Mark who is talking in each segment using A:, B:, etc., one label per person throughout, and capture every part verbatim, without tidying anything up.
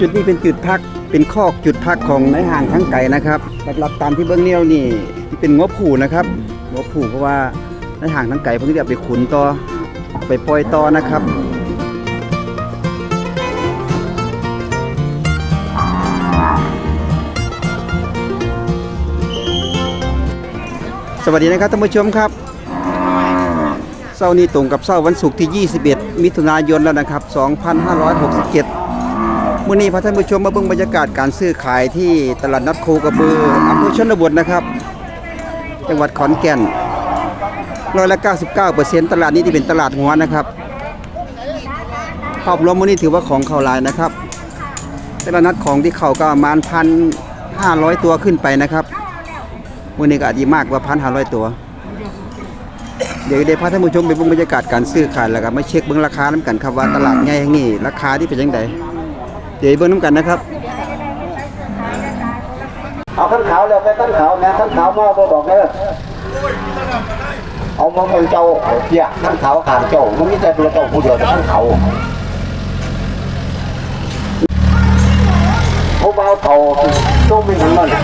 A: จุดนี้เป็นจุดพักเป็นคอกจุดพักของนายห่างทั้งไก่นะครับหลักๆตามที่เบื้องนี้นี่ที่เป็นงบผูนะครับงบผูเพราะว่านายห่างทั้งไก่เพิ่งจะไปขุนต่อไปปล่อยต่อนะครับสวัสดีนะครับท่านผู้ชมครับเช้านี้ตรงกับเช้าวันศุกร์ที่ยี่สิบเอ็ดมิถุนายนแล้วนะครับสองพันห้าร้อยหกสิบเจ็ดมื้อนี้พาท่านผู้ชมมาเบิ่งบรรยากาศการซื้อขายที่ตลาดนัดโคกระบืออำเภอชนบทนะครับจังหวัดขอนแก่นร้อยละเก้าสิบเก้าเปอร์เซ็นต์ตลาดนี้ที่เป็นตลาดหัวนะครับภาพรวมมื้อนี้ถือว่าของเข้าหลายนะครับตลาดนัดของที่เข้าก็ประมาณ หนึ่งพันห้าร้อย ตัวขึ้นไปนะครับมื้อนี้ก็อาจจะมากกว่า หนึ่งพันห้าร้อย ตัวเดี๋ยวได้พาท่านผู้ชมไปเบิ่งบรรยากาศการซื้อขายแล้วก็มาเช็คเบิ่งราคานำกันครับว่าตลาดใหญ่แห่งนี้ราคาที่เป็นจังไดเดี๋ยวเบิ่งนำกันนะครับเอาขั้นขาวแล้วไปขั้นขาวแม่ขั้นขาวมาบ่บอกเด้อเอามาเบิ่งเจ้าเปียขั้นขาวข้างเจ้ามันมีแต่ตัวเจ้าผู้เดียวแต่ขั้นขาวผู้บ่าวเฒ่าต้องมีหยังนั่น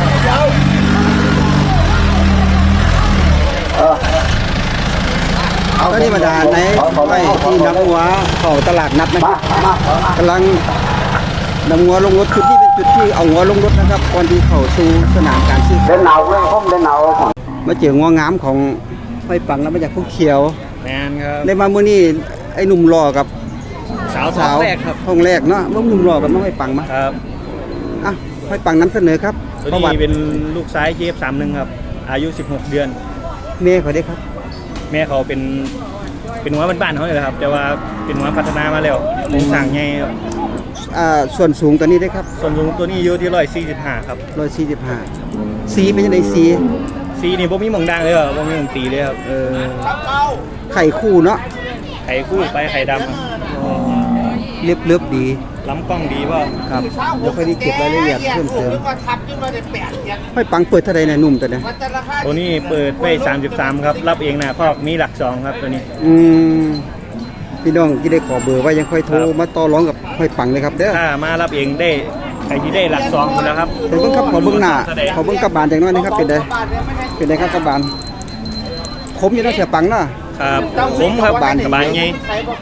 A: เออก็นี่บรรดาในไว้ที่นำหัวเข้าตลาดนัดนะครับกำลังนำหัวลงรถจุดนี้เป็นจุดที่เอาหัวลงรถนะครับก่อนที่เข้าสู่สนามการซื้อเดินหนาวเลยผมเดินหนาวมาเจองัวงามของห้อยปังแล้วมาจากผู้เขียว
B: แมนครับ
A: ได้มาเมื่อนี้ไอ้หนุ่มหล่อกับ
B: สาวสาวแรกครับ
A: ห้องแรกเนาะว่าหนุ่มหล่อกับน้องห้อยปังมา
B: ครับ
A: อ่ะห้อยปังนำเสนอครับ
B: ตัวนี้เป็นลูกซ้ายเจฟสามหนึ่งครับอายุสิบหกเดือน
A: แม่เขาได้ครับ
B: แม่เขาเป็นเป็นหัวบ้านๆเขาเลยครับแต่ว่าเป็นหัวพัฒนามาแล้วโครงสร้างใหญ่
A: อ่าส่วนสูงตัวนี้ได้ครับ
B: ส่วนสูงตัวนี้อยู่ที่ร้อยสี่สิบห้าครับ
A: ร้อยสี่สิบห้าสีเป็นยังไงสี
B: สีนี่พวกมีหมองดังเลยครับพวกมีหมองตีเลยครับ
A: เออไข่คู่เนาะ
B: ไข่คู่ไปไข่ดำ
A: เรียบเรียบดี
B: ล้ำกล้องดีป่ะ
A: ครับเดี๋ยวค่อยได้เก็บรายละเอียดเพิ่มเติมห้อยปังเปิดเท่าไรเนี่ยหนุ่มตัวเนี้ย
B: ตัวนี้เปิดไว้สามสิบสามครับรับเองนะครอบมีหลักสองครับตัวนี้
A: อืมพี่น้องที่ได้ขอเบอร์ไว้ยังค่อยโทรมาต่อรองกับห้อยปังเลยครับเด้อ
B: ถ้ามารับเองได้ใครที่ได้หลักสองหมดแล้วครับ
A: เป็นเบิ้งครับขอเบิ้งหน้าขอเบิ้งกระบาลอย่างน้อยนะครับเป็นไงเป็นไงครับกระบาลคมอยู่นะเสียปังเนาะ
B: ครับผมครับบานกระบาลไง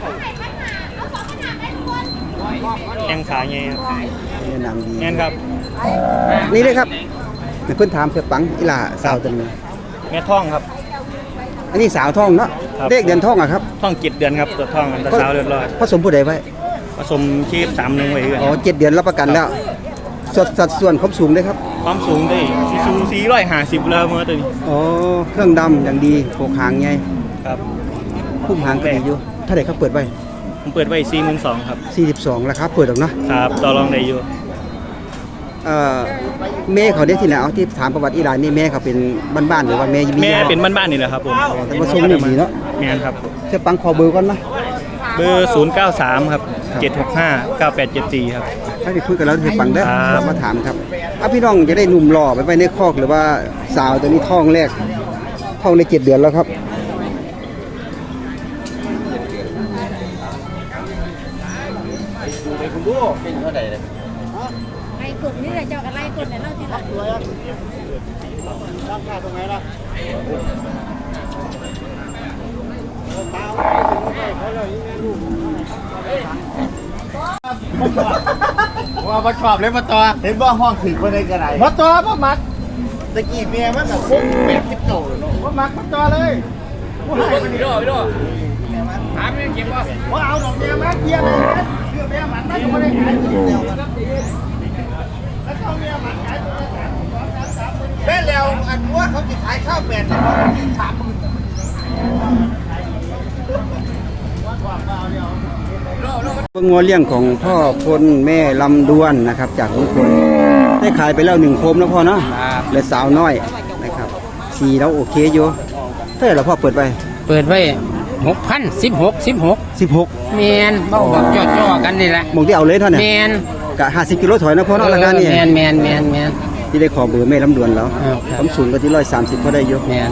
B: แข้งขาไงครับ
A: นี่นางดี
B: แน่นครับ
A: นี่เลยครับเพื่อนถามเสียปังอีหล่าสาวตัวนึง
B: แม่ท่องครับ
A: อันนี้สาวท่องเนาะเลขเดือนท่องอะครับ
B: ท่องเจ็ดเดือนครับตัวท่องกันตัวสาวเรียบร้อย
A: ผสมผู้ใดไว้
B: ผสมชีพสามหนึ่งไว้
A: อ๋อเจ็ดเดือนรับประกันแล้วสัดสัดส่วนความสูงได้ครับ
B: ความสูงได้สูงสี่ร้อยห้าสิบเลยเมื่อตัวนี้
A: อ๋อเครื่องดำอย่างดีโขกหางไง
B: ครับ
A: พุ่มหางก็ดีอยู่ถ้าไหนเขาเปิดไว้
B: ผมเปิดไว้สี่หมื่นสองครับ
A: สี่สิบสองราคาเปิดหรอกนะครับ
B: ต่อรองได้อยู่
A: เอ่อแม่เขาได้ที่ไหนเอาที่ถามประวัติอีหลานนี่แม่เขาเป็นบ้านๆหรือว่าแม่
B: แม่เป็นบ้านๆนี่แหละครับผม
A: แต่ว่าทรงดีเนาะ
B: แม่ครับ
A: เจะปังขอเบอร์ก่อนนะ
B: เบอร์ศูนย์เก้าสามครับเจ็ดหกห้าเก้าแปดเจ็ดสี่ครับ
A: ถ้าไปคุยกันแล้วเจะปังได้มาถามครับอ่ะพี่น้องจะได้หนุ่มหล่อไปไปในคอกหรือว่าสาวตัวนี้ท้องแรกท้องในเจ็ดเดือนแล้วครับไอ้คุณดูเป็นเท่าไหร่เลย
C: ไอ้กลุ่มนี่แหละเจ้าอะไรคนเนี่ยเล่าที่หลัง
A: ราคาตรงไหนล่ะ
D: ว่ามาชอบเลยมาต่อเห็นว่าห้องถึงคนในกระไรมาต่อมามัดตะกี้เมียมันแบบฟุ้งเป็ดคิดโตมามัดมาต่อเลยว่าหายไปดีด้วยพี่ด้วยถามเมียเก็บว่าว่าเอาดอกเมียมาเกียร์เลยเชื่อเมียมันไม่ได้ขายแล้วเขาเมียมันขายแม่แล้วอันว่าเขาจะขายข้าวเป็ดที่สามหมื่น
A: งัวเลี้ยงของพ่อพลแม่ลำดวนนะครับจากลุงพลได้ขายไปแล้วหนึ่งโคมแล้วพ่อเนาะเหลือสาวน้อยนะครับสีแล้วโอเคอยู่เท่าไหร่เราพ่อเปิดไป
E: เปิดไว้หกพันสิบหกสิบหก
A: สิบหก
E: เมนเบาแบบจ่อๆกันนี่แหละ
A: มองที่เอาเลยเท่านี้
E: เมน
A: กะห้าสิบกิโลถอยนะพ่อเนาะราคานี่
E: เมนเมนเมนเมน
A: ที่ได้ขอเบอร์แม่ลำดวนแล้วความสูงก็ที่ร้อยสามสิบพอได้อยู่
E: เมน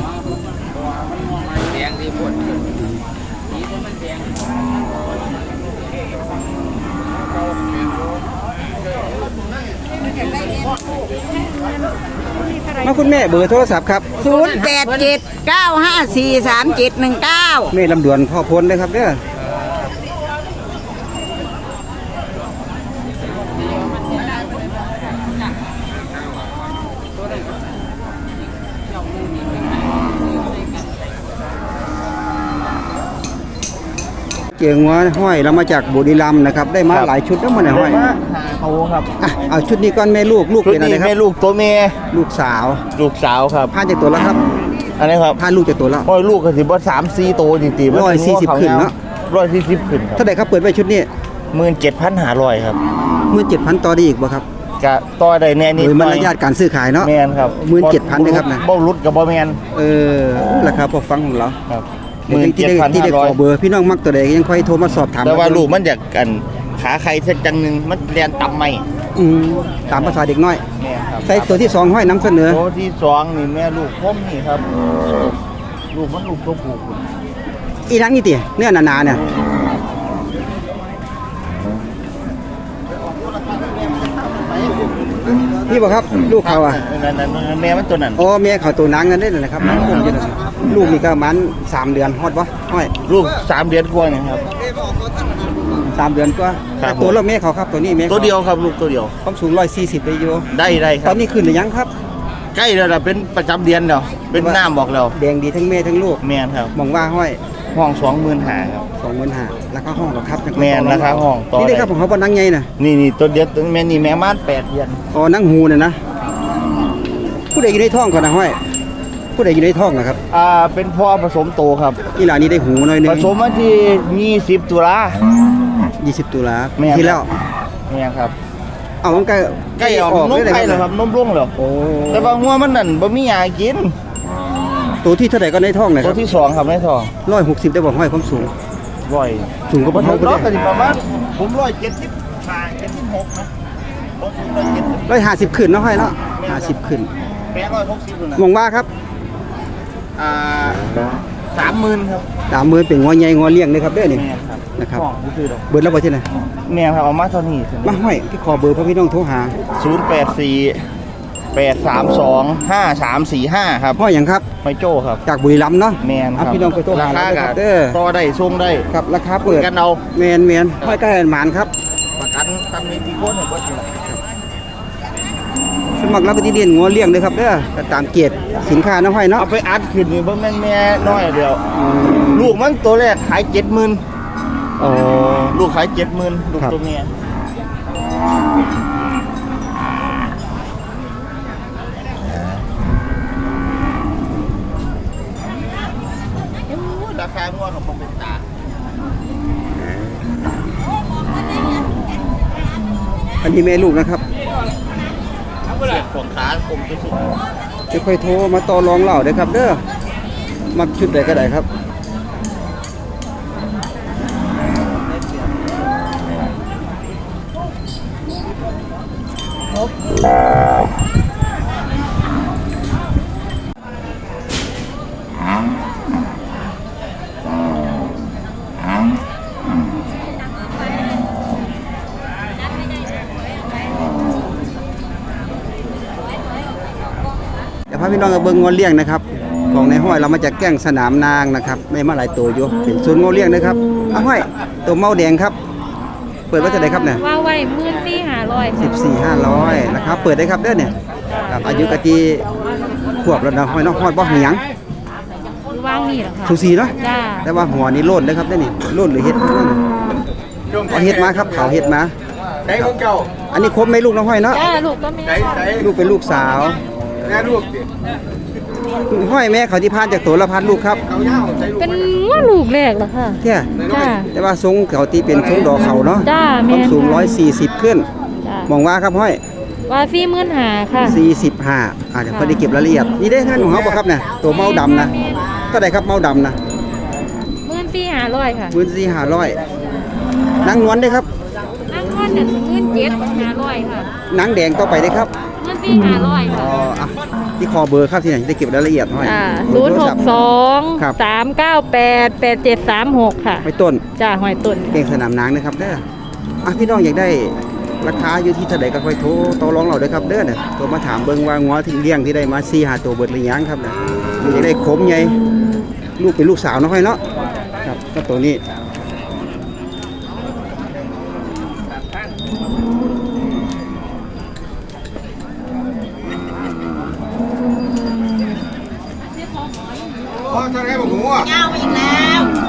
A: คุณแม่เบอร์โทรศัพท์ครับ
F: ศูนย์แปดเจ็ดเก้าห้าสี่สามเจ็ดหนึ่งเก้า
A: แม่ลำดวนพ่อพลนะครับเด้อเจียงหัวห้อยเรามาจากบุรีรัมย์นะครับได้มาหลายชุดแล้วมันห้อย
D: หาเขาครับ
A: อ่ะเอาชุดนี้ก่อนแม่ลูกลูก
D: ชุด
A: เป็นอะไร
D: นี้
A: ครั
D: แม่
A: บ
D: ลูกตัวเมีย
A: ลูกสาว
D: ลูกสาวครับ
A: ผ่านจากตัวแล้วครับ
D: อันนี้ครับ
A: ผ่านลูกจากตัวแล้ว
D: โอ้ยลูกก็สิบ่สามสี่โตจริงๆ
A: ร้อยสี่สิบขึ้นเนอะ
D: ร้อยสี่สิบขึ้นครับ
A: เท่าไหร่ครับเปิดไว้ชุดนี้
D: หมื่นเจ็ดพันห้าร้อยครับ
A: หมื่นเจ็ดพันต่อได้อีกบ่ครับ
D: กะต่อได้แน่นิด
A: โดย
D: ห
A: มาร
D: น่อย
A: ยาทการซื้อขายเนาะ
D: แมนครับ
A: หมื่นเจ็ดพันนะครับนะ
D: บ่รุดกับบ่แมน
A: เออราคาพอฟังของเรา
D: ครับห
A: เดี๋ยว
D: มื่น
A: ที่
D: เจ็ด
A: ได้
D: พัน
A: ที่
D: ห้า
A: ได้
D: ร้
A: ข
D: อย
A: อเบอร์พี่น้องมักตัวใดยังค่อยโทรมาสอบถาม
D: แต่ว่าลูกมันอยากกันขาใครสักจังหนึงมันเรียนต่ำไหม
A: อืมตามภาษาเด็กน้อย
D: แม่นครับ
A: ใส่ตัวที่สองห้อยน้ำเสนอ
D: ตัวที่สองนี่แม่ลูกพ่มนี่ครับ ลูกมันลูกตัวผู้
A: อีนังนี่ติเนื้อหนาๆเนี่ยนี่บ่ครับลูกเขาอ่ะ
D: นั่นนั่นนั่นแม่มันตัวนั้น
A: อ๋อแม่เขาตัวนังกันได้เลยนะครับผมอยู่นั่นลูกนี่ก็ประมันสามเดือนฮอดบ่ห้อย
D: ลูกสามเดือนกว่านี่ครับ
A: สามเดือนกว่า
D: ครับ
A: ตัวแล้วแม่เขาครับตัวนี้แม่ขา
D: ตัวเดียวครับลูกตัวเดียว
A: ความสูงร้อยสี่สิบได้อยู่
D: ได้ได้ค
A: ต
D: รั
A: อบ นนี้ขึ้นหรือยังครับ
D: ใกล้แล้วล่ะเป็นประจำเดือนแล้วเป็นน้ำบอกแล้ว
A: แดงดีทั้งแม่ทั้งลูก
D: แม่นครับ
A: มองว่าห้อย
D: ห้องสองหมื่นหาครับ
A: สองหมื่นห้าราคาห้องหรอครับ
D: แม่นราคาห้องต่อ
A: นี่ได้
D: ได้
A: ครับของเขาบนนั่งไงน่ะ
D: นี่นี่ตัวเดียวตัวแม่นี่แม่ม่านแปดเดือน
A: อ๋อนั่งหูน่ะนะผู้ใดอยู่ในท้องก่อนนะห้อยผู้ใดอยู่ในท้องนะครับ
D: อ่าเป็นพ่อผสมโตครับ
A: อีหลานนี้ได้หูหน่อยหนึง
D: ผสมวันที่ยี่สิบตุลา
A: ยี่สิบตุลา
D: แม่น
A: ที่แล้ว
D: แม่ครับ
A: เอามันใกล้
D: ใกล้ออกนม
A: เลย
D: ไข่แล้วครับนมร่วงแล้ว
A: โอ้
D: แต่ว่าหัวมันนั่นบ่มีหยากิน
A: ตัวที่เท่าไหร่ก็ในท้องนะค
D: ตั
A: รั
D: ว
A: บ
D: ที่สองครับในท้อง
A: ร้อยหกสิบได้บอกห้อยความสูง
D: บ่อย
A: สูงกว่า
D: บ่
A: พ่อ
D: ถึ
A: เขา
D: ง
A: ไป
D: รอบ
A: เลย
D: ก็สิประมาณผมร้อยเจ็ดสิบห้าเจ็ดสิบหกนะผมสูงร้อยเจ็ดสิบ
A: ร้อยห้าสิบขึ้นเนาะห้อยเนาะห้าสิบขึ้น
D: แปดร้อยหกสิบนะ
A: มองว่าครับ
D: อ่าสามหมื่นครับ
A: ตามมือเป็นงอใหญ่งอเลี้ยงเลยครับเด้อนี่
D: แม่ครับ
A: นะครับ
D: ห้องบ่คือดอก
A: เบิดแล้วบ่ที่ไหน
D: แม่ครับเอามาเท่านี้
A: มาห้อยที่ขอเบอร์พ่อพี่น้องโทรหา
D: ศูนย์แปดสี่แปดสามสองห้าสามสี่ห้าครับ
A: ห้อยหยังครับ
D: ไม่โจ้ครับ
A: จากบุรีรัมย์เนาะ
D: แมนค
A: เอา
D: รับ
A: พี่น้องไปโทรหา
D: ราคา
A: เลยค
D: กั
A: รั
D: น
A: บเด้อ
D: ต่อได้ส่งได้
A: ครับราคา
D: คุย
A: เปิด
D: กันเอา
A: แมนแมนห้อยใกล้หมานครับ
D: ประกันตันมีที่โคนของเบิดอยู่แล้ว
A: สมัครรับไปที่เรียนงัวเลี้ยงเลยครับเด้อก็ตามเกียรติสินค้าน้องห้อยเนาะ
D: เอาไปอัดขึ้นนี่บ่แม่นแม่น้อยเดียว ลูกมันตัวแรกขายเจ็ดหมื่น
A: อ๋อ
D: ลูกขายเจ็ดหมื่นลูก
A: ครับ
D: ตัวเมียราคางวดของผมเป็นตา
A: อันนี้แม่ลูกนะครับ
D: เสียบของขาผมไปสุด
A: จะค่อยโทรมาต่อรองเล่าได้อครับเด้อมักชุดใดก็ได้ครับเดี๋ยวพาพี่น้องกับเบิ้งงัวเลี้ยงนะครับ ของในห้อยเรามาจากแก้งสนามนางนะครับได้มาหลายตัวอยู่เป็นศูนย์งัวเลี้ยงนะครับเอาห้อยตัวเมาแดงครับ เปิดไว้เท่าไหร่ครับเนี่ย
C: ว่าไว้หมื่นสี่ห้าร้อย
A: สิบสี่ห้าร้อยนะครับเปิดได้ครับเด้อเนี่ยครับอายุกะตีขวบแล้วนะห้อยน้องห้อยบ่หยัง
C: ว่างนี่เหรอคะ
A: สูสีเนาะ
C: จ้า
A: แต่ว่าหัวนี่โล่นนะครับเด้อนี่โล่นหรือเฮ็ดเอาเฮ็ดมาครับเขาเฮ็ดมา
D: ได้ของเก่า
A: อันนี้ครบไหมลูกน้องห้อยเนาะ
C: จ้าลูกก็มี
D: ได้ได้
A: ลูกเป็นลูกสาว
D: แม่ลูกดิ
A: ห้อยแม่เขาที่พานจากตัวละพันลูกครับ
D: เขาเย้าใช้ลูก
C: เป็นว่าลูกแรกเหรอคะ
A: เที่ย
C: จ้า
A: แต่ว่าทรงเขาที่เป็นทรงดอกเขาเนาะ
C: จ้า
A: ค
C: แม่
A: วามสูงร้อยสี่สิบขึ้น
C: จ้าม
A: องว่าครับห้อย
C: ว่าสี่หมื่นหาค่ะ
A: สี่สิบห้าอาจจะพอได้เก็บรายละเอียดนี่ได้ท่านของเขาบ่ครับเนี่ยตัวเมาดำนะก็ได้ครับเมาดำนะ
C: หมื่นสี่ห้าร้อยค่ะ
A: พื้นที่ห้าร้อยนางนวลได้ครับ
C: นั่งก้อนหนึ่งหมื่นเจ็ดห้าร้อยค่ะ
A: นางแดงต่อไปได้ครับ
C: หมื่นสี่ห้าร้อย
A: อ๋
C: ค่ะ
A: ออ่ะที่คอเบอร์ครับที่ไหนได้เก็บรายละเอียดห้อย
C: อ่า
A: เบ
C: ศู
A: อน
C: ย์
A: ร์โท
C: ห
A: รศั
C: ก
A: พท์
C: สอง
A: ครับ
C: สามเก้าแปดแปดเจ็ดสามหกค่ะ
A: ไม่ต้น
C: จ้าหอยตุน
A: เก่งสนามนางนะครับเด้ออ่ะพี่น้องอยากได้ราคาอยู่ที่เท่าใดก็ค่อยโทรต่อรองเราเด้อครับเด้อน่ะโทรมาถามเบิ่งว่างัวที่เลี้ยงที่ได้มาสี่ห้าตัวเบิดหรือยังครับน่ะมันจะได้ขมใหญ่ลูกเป็นลูกสาวเนาะค่อยเนาะครับก็ตัวนี้พ่อจะได้บอกงัว
F: ยาวไปอีกแล้ว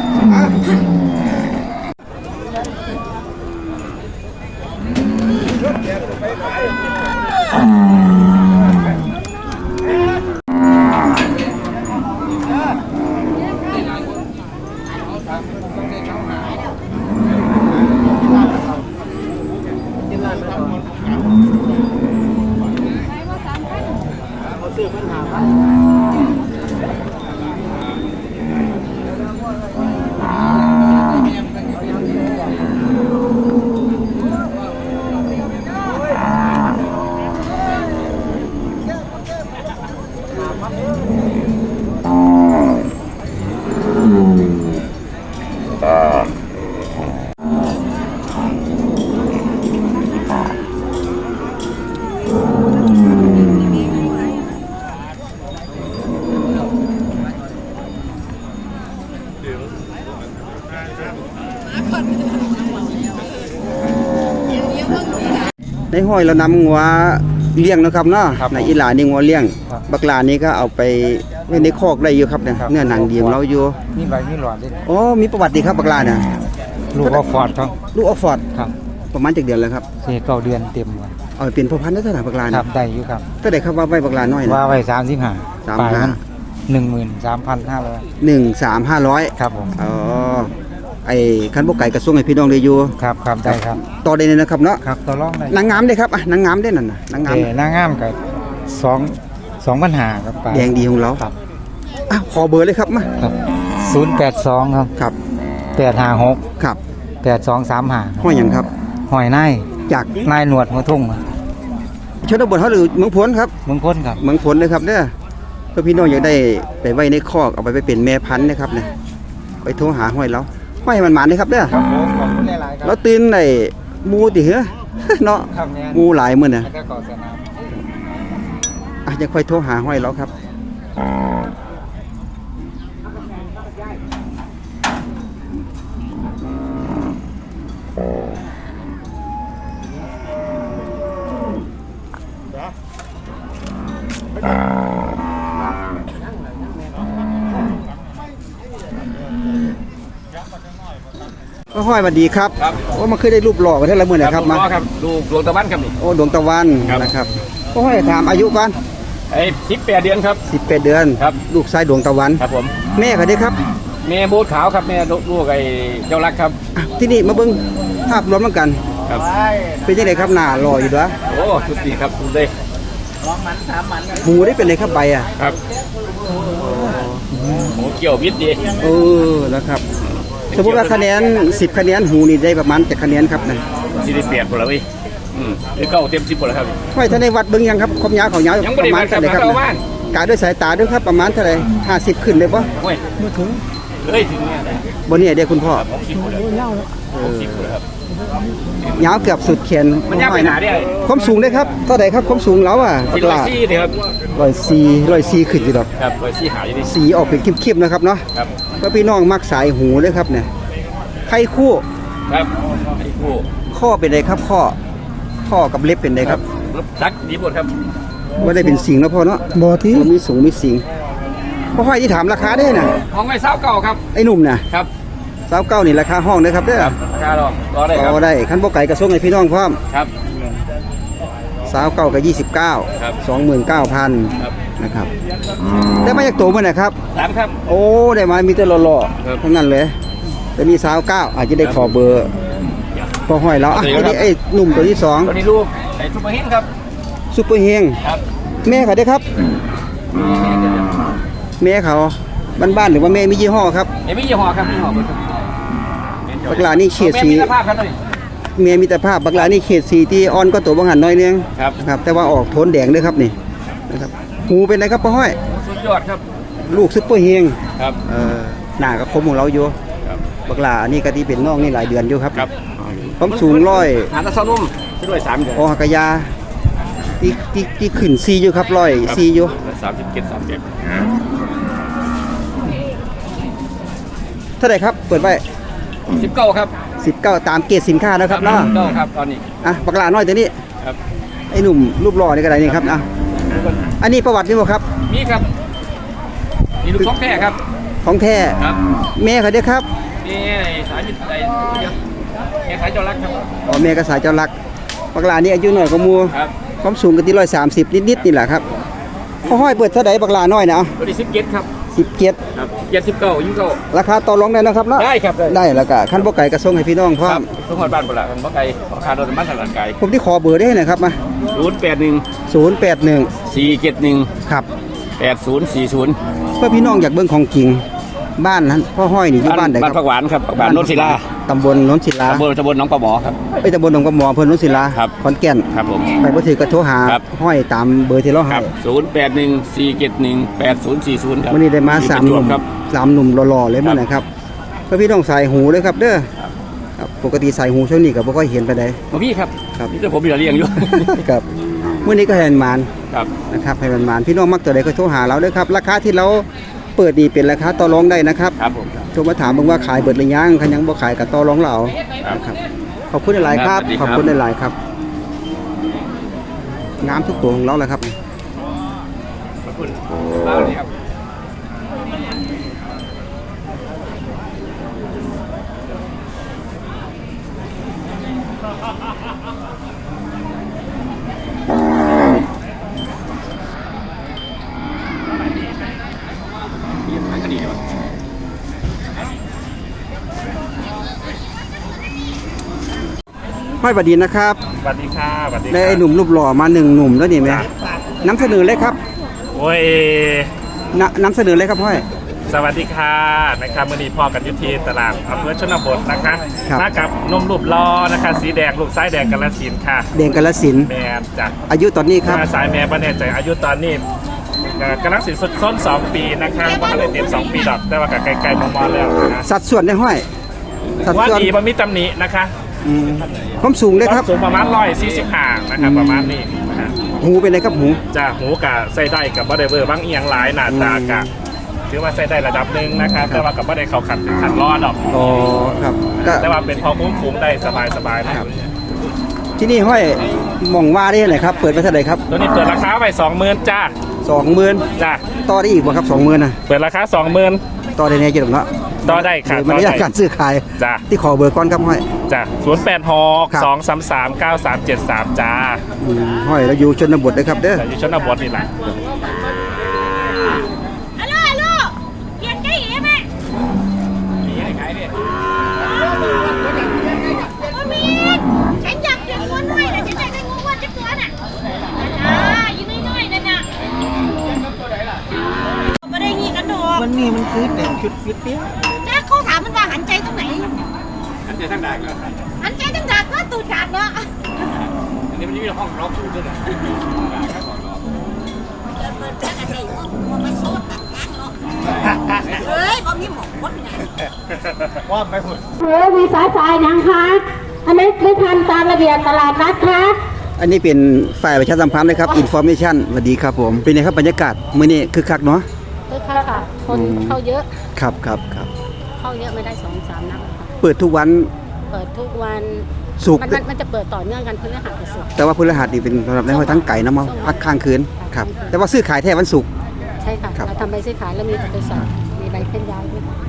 A: ในห้อยเรานำงัวเลี้ยงนะครับเนาะในอีหลานี่งัวเลี้ยงบักหลานี่ก็เอาไปไว้ในคอกได้อยู่ครับเนี่ยเนื้อหนังดีของเราอยู่
E: นี่ใบนี่หลอดดิ
A: อ๋อมีประวัติดีครับบักหลาน่ะ
E: ลูกออฟฟอร์ดครับ
A: ลูกออกฟอร์ด
E: ครับ
A: ประมาณจักเดือนแล้วครับ
E: เสียเก้าเดือนเต็มวัน
A: เอาเป็นพ่อพันธุ์ได้เท่าไหร่บักหลา
E: ค
A: น่ะ
E: รับได้อยู่ครับ
A: เท่าไหร่ครับว่าไว้บักหลาน้อยน่ะ
E: ว่าไว้สามสิบห้า
A: สามสิบห้า
E: หนึ่งหมื่นสามพันห้าร้อย
A: หนึ่งสามห้าร้อย
E: ครับผม
A: อ๋อไอ้คันบ่ไก่กระทรวงให้พี่น้องได้อยู่
E: ครับครับได้ครับ
A: ต่อได้เลยนะครับเนาะ
E: ครับต่อรองได้
A: นางงามได้ครับอ่ะนางงามได้นั่นน่ะนางงาม
E: เออนางงามกับสองสองปัญหาครับปลา
A: แดงดีของเรา
E: ครับ
A: อ่ะขอเบอร์เลยครับมา
E: ครับศูนย์แปดสองครับ
A: ครับ
E: แปดห้าหก
A: ครับ
E: แปดสองสามห้า
A: ห้อยหยังครับ
E: หอยนาย
A: จาก
E: นายหนวดหัวทุ่งครับ
A: ชนบทเฮาหรือเมืองพลครับ
E: เมืองพ้นครับ
A: เมืองผลเลยครับเด้อเพื่อพี่น้องอยากได้ไปไว้ในคอกเอาไปไปเป็นแม่พันธุ์นะครับเนี่ยไปโทรหาห้อยเราห้อยให้มันหมานเลยครับเด้อ
E: ครับผมขอบคุณหลายๆครั
A: เราตื่นในหมูติเหรอ เนาะ
E: ครับเนี่ย
A: หมูหลายมื้อน่ะ
E: แล้วก็ก่อสนาม
A: อ่ะยังค่อยโทรหาห้อยเราครับห้อยสวัสดีครับ
B: ครับ
A: โอ้มันเคยได้รูปหล่อกันเท่าไรมื้อนะครับมา
B: ครับลูกดวงตะวันครับนี่
A: โอ้ดวงตะวัน
B: ครับ
A: นะครับก็ห้อยถามอายุก่อน
B: ไอ้สิบแปดเดือนครับ
A: สิบแปดเดือน
B: ครับ
A: ลูกชายดวงตะวัน
B: ครับผม
A: แม่เขาได้ครับ
B: แม่โบสขาวครับแม่ลูกไอ้เจ้ารักครับ
A: อ่ะที่นี่มาเบิ่งภาพรวมแล้วกัน
B: ครับ
A: เป็นยังไงครับหน้าหล่ออยู่ด้วย
B: โอ้สุดดีครับสุดเลย
A: หูได้เป็นไรครับใบอ่ะ
B: ครับโอ้เกี่ยววิทย์ดี
A: เออนะครับสมมติว่าคะแนนสิบคะแนนหูนี่ได้ประมาณจะคะแนนครับนะ
B: สิได้เปลี่ยนหมดแล้วเว้ยอืมหรือเก้าเต็มสิบหมดแล้วครับ
A: ห้อยท่านในวัดเบิ่งยังครับความยาวของยาว
B: ยัง
A: ป
B: ไม่
A: ระ
B: ได้
A: มาณ
B: วัดครั
A: เท่า
B: บ
A: ไหร่ครับ
B: เอาบ้าน
A: กาด้วยสายตาด้วยครับประมาณเท่าไหร่ห้าสิบขึ้นเลยปะ
B: โอ้ยไม่ถึงเฮ้ยถึงเนี่ย
A: บนนี้เด็กคุณพ่อ
B: หกสิบหมดแล้วหกสิบหมดแล้วครับ
A: ยาวเกือบสุดแขน
B: มันยาวไปหนาได้
A: ความสูงได้ครับเท่าไหร่ครับความสูงแล้วอ่ะ
B: สี่ร้อยสี่เลยครับ
A: ร้อยสี่ร้อยสี่ขึ้นอยู่ดอก
B: ครับร้อยสี่หาอยู่ดิ
A: สีออกเป็นเข้มๆนะครับเนาะ
B: ครับ
A: เพื่อพี่น้องมักสายหูเลยครับเนี่ยไข่คู่
B: ครับไอ้ผู้
A: ข้อเป็นไรครับข้อข้อกับเล็บเป็นไรครับ
B: รถซักดีหมดครับ
A: ว่าได้เป็นสิงแล้วพ่อเนาะบอที่มีสูงมีสิงพ่อห้อยที่ถามราคาได้น่ะ
B: ห้องไว้เศร้าเก่าครับ
A: ไอ้หนุ่มน่ะ
B: ครับ
A: สาวเก้านี่ราคาห้องนะครับเด้อ
B: ครับราคารอรอได้ครับ
A: ต่อได้ขั้นบ่ไก่กระส่งให้พี่น้องพร้อม
B: ครับ
A: สาวเก้ากับยี่สิบเก้า
B: ครับ
A: สองหมื่นเก้าพัน
B: ครับ
A: นะครับได้มาจากตัวมันนะครับ
B: สามครับ
A: โอ้ได้มามีแต่หล่อ
B: ครับ
A: ๆทั้งนั้นเลยแต่มีสาวเก้าอาจจะได้ขอเบอร์พอห้อยแล้วอ่ะ
B: ครับ
A: ทีนี้ไอ้หนุ่มตัวที่สอง
B: ตัวนี้ลูกไอ้ซุปเปอร์ฮิตครับ
A: ซุปเปอร์เฮง
B: ครับ
A: แม่เขาได้ครับ แม่เขาบ้านๆหรือว่าแม่มียี่ห้อครับ
B: เอ็มยี่ห้อครับยี่ห้อเบอร์ครับ
A: บักหลานี่เฉดสี
B: แม่มีสภาพครับหน่อย
A: เมียมีแต่ภาพบักหลานี่เขตสีที่อ่อนก็ตัวบางหันน้อยนึง
B: ครับ
A: ครับแต่ว่าออกโทนแดงเลยครับนี่นะครับหูเป็นไรครับพ่อห้อย
B: สุดยอดครับ
A: ลูกซุปเปอร์เฮง
B: ครับ
A: เอ่อหน้าก็คมของเราอยู่
B: ครับ
A: บักหลานี่ก็ที่เป็นน้องนี่หลายเดือนอยู่ครับ
B: ครับ
A: ความสูงร้อย
B: หาตะเซานุ่มด้วยสามเดือน
A: โอหักกะยาที่ที่ที่ขึ้นซีอยู่ครับร้อยซีอยู่
B: สามสิบเจ็ดสามเจ็ด
A: เท่าไหร่ครับเปิดไว้
B: สิบเก้าครับ
A: สิบเก้าตามเกรดสินค้านะครับเนาะ
B: เก้าครับตอนนี้
A: อ่ะปากหลาน้อยตัวนี้
B: ครับ
A: ไอ้หนุ่มรูปหล่อนี่ก็ได้นี่ครับอ่ะอันนี้ประวัตินี่บ่ครับ
B: มีครับมีลูกท้องแท้ครับ
A: ของแท้
B: ครับ
A: แม่เขาเด้อครับ
B: นี่สายมิตรไอ้แม่สายจอรักครับ
A: อ๋อแม่ก็สายเจ้ารักปากหลานี่อายุน้อยกว่าหมู่
B: ครับ
A: ความสูงก็ที่ร้อยสามสิบนิดๆนี่แหละครับพ่อห้อยเปิดเท่าไหร่ปากหลาน้อยนะเอา
B: ตัวนี้สิบเจ็ดครับ
A: สิบเจ็ด
B: ครับเจ็ดสิบเก้ายิ่งเก้า
A: ราคาต่อรองได้นะครับเนาะ
B: ได้ครับได้
A: ได้แล้วก็ขั้นบ่ไก่กระส่งให้พี่น้องพร้อ
B: ครั
A: ม
B: บสมบัติบ้านโบราณมันบ่ไกลราคาโดนมันถนัดไกล
A: ผมที่ขอเบอร์ได้หน่อยครับมา
B: ศูนย์แปดหนึ่ง
A: ศูนย์แปดหนึ่ง
B: สี่เจ็ดหนึ่ง
A: ครับ
B: แปดศูนย์สี่ศูนย์
A: เพื่อพี่น้องอยากเบิ่งของจริงบ้านนั้นพ่อห้อยนี่อยู่บ้านไหน
B: บ้าน
A: ค
B: ผั
A: รับ
B: กหวานครับผักหวานโนนศิลา
A: ตำบลโนนศิลา
B: ตำบลตำบลหนองปลาหมอครับ
A: ไอ้ยตำบลหนองกระหมออำเภอโนนศิลา
B: ครับ
A: ขอนแก่น
B: ครับผม
A: ไปบ่ถือกระโทรหา
B: ครับ
A: ห้อยตามเบอร์ที่เรา
B: ค
A: ให้
B: รับศูนย์แปดหนึ่งสี่เจ็ดหนึ่งแปดศูนย์สี่ศูนย์ครับ
A: วันนี้ได้มาสามหนุ่ม
B: ครับ
A: สามหนุ่มหล่อๆเลยมื้อนะครับเพื่อพี่น้องใส่หูเลยครับเด้อครับปกติใส่หูช่วงนี้ก็บ่ค่อยเห็นไปได้
B: มาพี่ครับ
A: ครับ
B: นี่จะผมมีอะไรเลี้ยงอยู่
A: ครับมื้อนี้ก็ให้มันมาน
B: ครับ
A: นะครับให้มันมานพี่น้องมักตัวใดก็โทรหาเราเด้อครับราคาที่เราเปิดนี่เป็นราคาต่อรองได้นะครับ
B: ครับผม
A: โทรมาถามเบิ่งว่าขายเบิดหรือยังคันยังบ่ขายก็ต่อรองเรา
B: ครับ
A: นะครับขอบคุณหลายๆครับ
B: ครับสวัสดี
A: ข
B: ครับ
A: อบคุณหลายๆครับงามทุกตัวของเราแหละครับ
B: ขอบคุณเล่าเลยครับ
A: ห้อยบดีนะครับ
B: สวัสดีค่ะสวัสดี
A: ได้ไอ้หนุ่มรูปหล่อมาหนึ่งหนุ่มแล้วนี่ไหมนำเสนอเลยครับ
B: โอ้ย
A: นนำเสนอเลยครับห้อย
B: สวัสดีค่ะนะครับมื่อนี้พ่อกันยุทธีตลาดอำเภอชนบทนะคะ
A: ครับ
B: มากับนมรูปล้อนะคะสีแดงลูกซ้ายแดงกาฬสินธุ์ค่ะ
A: เดงกาลสินธุ์
B: แม่จาก
A: อายุตอนนี้ครับ
B: มาสายแม่ประเนใจอายุตอนนี้กำลังสินสุดส้นสองปีนะคะว่าเลยเต็มสองปีดอกแต่ว่ากับไกลๆมองๆแล้วนะ
A: สัดส่วนได้ห้อย สัด
B: ว่า
A: ส่วน
B: ดีมันมีตำหนินะคะ
A: อืมความสูงเลยครับ
B: สูงประมาณร้อยสี่สิบห้านะคะประมาณนี้นะฮะ
A: หูเป็นไรครับหู
B: จะหูกะใส่ได้กับบ่ได้เบอร์บางเอียงหลายหน้าตากะถือว่าใส่ได้ระดับหนึ่งนะคะแต่ว่ากับบ่ได้เข้าขัดถึงขันรอดดอก
A: อ๋อครับก็
B: แต่ว่าเป็นพอคุ้มคุ้มได้สบายสบายๆนะครับ
A: ที่นี่ห้อยหมองว่าได้ไหนครับ เปิดไปเท่าไหร่ครับ
B: ตัวนี้เปิดราคาไปสองหมื่นจ้า
A: สองหมื่น
B: จ้า
A: ต่อได้อีกบ่ครับสองหมื่นนะ
B: เปิดราคาสองหมื่น
A: ต่อได้แน่จังเนาะ
B: ต่อได้ค่ะ
A: โดยมารยาทการซื้อขาย
B: จ้า
A: ที่ขอเบอร์ก่อนครับห้อย
B: จ้าศูนย์แปดหก
A: ครับ
B: สองสามสามเก้าสามเจ็ดสามจ้า
A: อืมห้อยเราอยู่ชนบทนะครับเด้อ
B: แต่อยู่ชนบทนี่แหละ
C: ฮัลโหลฮัลโหลเปลี่ยนใจอีกไหม
B: มีให้ขายดิ
C: บ่มีฉันอยากเปลี่ยนงูน้อยเลยฉันอยากได้งูอ้วนจักตัวน่ะอ่าอยู่น้อยๆนั่นน่ะบ่ได้งี้กันดอก
F: มันนี่มันคือแต่งชุดฟิตเปี้ย
C: จ้าเขาถามมันว่าหันใจตรงไหน
B: อันเดียวทั้งด่านเลย
C: หันใจตรงดักก็ตูดขาดเนาะ
B: อันนี้มันจะมีห้องล็อกคู่ด้วยนะ
F: เฮ้ยบ่มีหมอกคนไง
B: ว่าไม่พูด
G: เฮ้ยมีสายสายยังคะอันนี้ไม่ทันตามระเบียบตลาดนัดคะ
A: อันนี้เป็นฝ่ายประชาสัมพันธ์นะครับอินฟอร์เมชันสวัสดีครับผมเป็นไงครับบรรยากาศมื้อนี้คึกคักเนาะ
G: คือค่ะค่ะ คน
A: อืม
G: เข้าเยอะ
A: ครับครับครับ
G: เข้าเยอะไม่ได้สองสามนัดค่ะ
A: เปิดทุกวัน
G: เปิดทุกวัน
A: ศุกร์
G: มันมันมันจะเปิดต่อเนื่องกันพฤหัสกับศุกร์
A: แต่ว่าพฤหัสนี่เป็นสำหรับในห้อยทั้งไก่นะมาพักค้างคืนครับแต่ว่าซื้อขายแท้วันศุกร์
G: ใช่ค่ะ
A: ครับ
G: เราทำใบซื้อขายแล้วมีใบสอบมีใบเคลื่อนย้ายด้วย